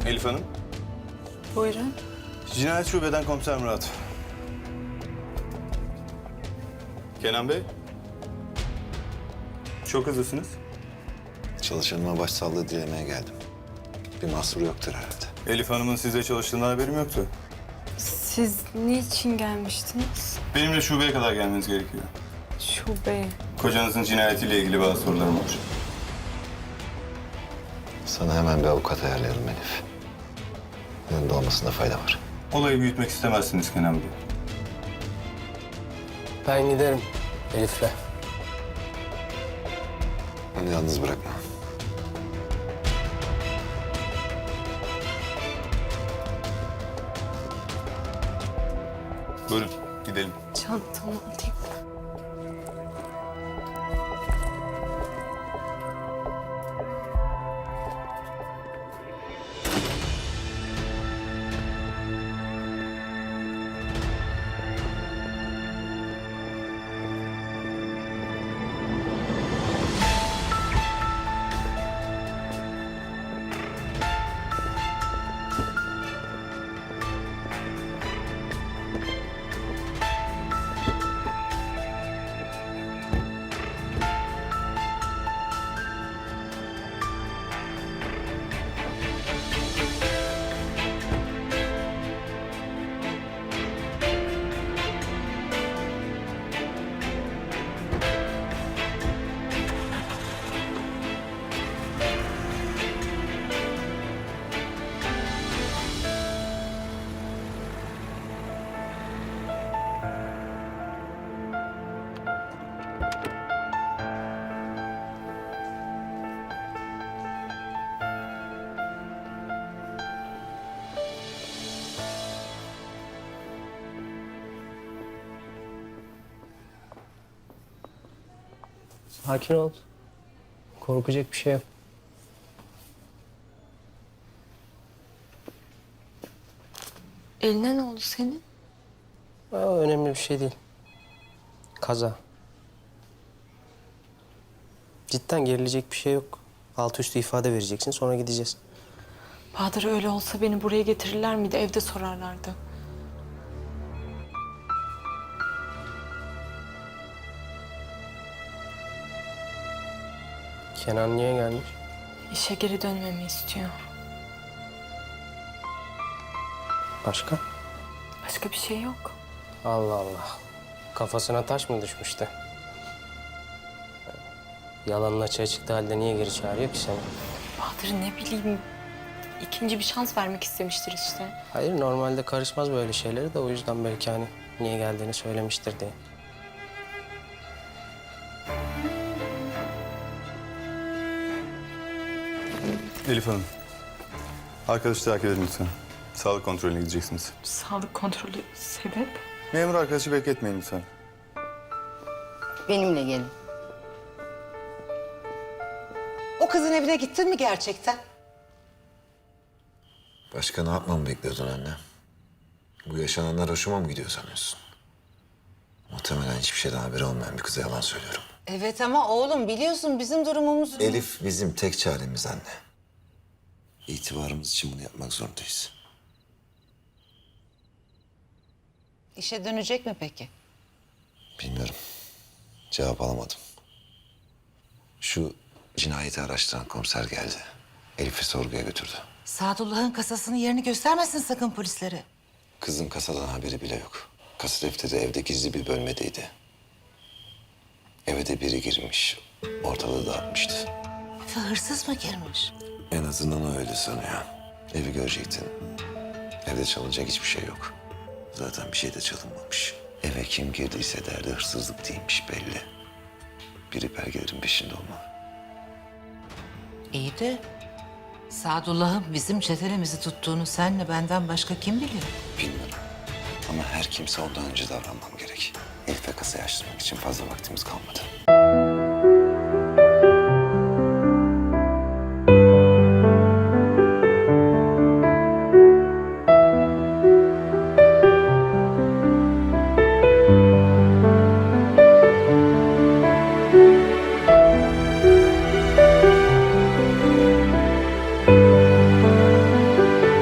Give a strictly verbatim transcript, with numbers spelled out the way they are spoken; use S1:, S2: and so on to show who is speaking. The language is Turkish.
S1: Elif Hanım.
S2: Buyurun.
S1: Cinayet Şube'den Komiser Murat. Kenan Bey. Çok hızlısınız.
S3: Çalışanıma başsağlığı dilemeye geldim. Bir mahsur yoktur herhalde.
S1: Elif Hanım'ın sizle çalıştığından haberim yoktu.
S2: Siz niçin gelmiştiniz?
S1: Benimle şubeye kadar gelmeniz gerekiyor.
S2: Şube.
S1: Kocanızın cinayetiyle ilgili bazı sorularım var.
S3: Sana hemen bir avukat ayarlayalım Elif. Yanında olmasında fayda var.
S1: Olayı büyütmek istemezsiniz Kenan Bey.
S4: Ben giderim Elif'le.
S3: Onu yalnız bırakma.
S1: Buyurun, gidelim.
S2: Çantamı alayım.
S4: Sakin ol. Korkacak bir şey yok.
S2: Eline ne oldu senin?
S4: Aa, önemli bir şey değil. Kaza. Cidden gerilecek bir şey yok. Altı üstü ifade vereceksin, sonra gideceğiz.
S2: Bahadır öyle olsa beni buraya getirirler miydi? Evde sorarlardı.
S4: Kenan niye gelmiş?
S2: İşe geri dönmemi istiyor.
S4: Başka?
S2: Başka bir şey yok.
S4: Allah Allah. Kafasına taş mı düşmüştü? Yalanın açığa çıktığı halde niye geri çağırıyor ki seni?
S2: Bahadır ne bileyim. İkinci bir şans vermek istemiştir işte.
S4: Hayır, normalde karışmaz böyle şeyleri de o yüzden belki hani niye geldiğini söylemiştir diye.
S1: Elif Hanım. Arkadaşı takip edin lütfen. Sağlık kontrolüne gideceksiniz.
S2: Sağlık kontrolü sebep?
S1: Memur arkadaşı bekletmeyin lütfen.
S5: Benimle gelin. O kızın evine gittin mi gerçekten?
S3: Başka ne yapmamı bekliyordun anne? Bu yaşananlar hoşuma mı gidiyor sanıyorsun? Muhtemelen hiçbir şeyden haberi olmayan bir kıza yalan söylüyorum.
S5: Evet ama oğlum biliyorsun bizim durumumuz...
S3: Elif bizim tek çaremiz anne. İtibarımız için bunu yapmak zorundayız.
S5: İşe dönecek mi peki?
S3: Bilmiyorum. Cevap alamadım. Şu cinayeti araştıran komiser geldi. Elif'i sorguya götürdü.
S5: Sadullah'ın kasasının yerini göstermesin sakın polislere.
S3: Kızın kasadan haberi bile yok. Kasa defteri evde gizli bir bölmedeydi. Eve de biri girmiş. Ortalığı dağıtmıştı.
S5: Eve hırsız mı girmiş?
S3: En azından o öyle sanıyor. Evi görecektin. Evde çalınacak hiçbir şey yok. Zaten bir şey de çalınmamış. Eve kim girdiyse derdi hırsızlık değilmiş belli. Biri belgelerin peşinde olmalı.
S5: İyi de Sadullah'ın bizim çetelemizi tuttuğunu senle benden başka kim biliyor?
S3: Bilmiyorum. Ama her kimse ondan önce davranmam gerek. Elif'e kasayı açtırmak için fazla vaktimiz kalmadı.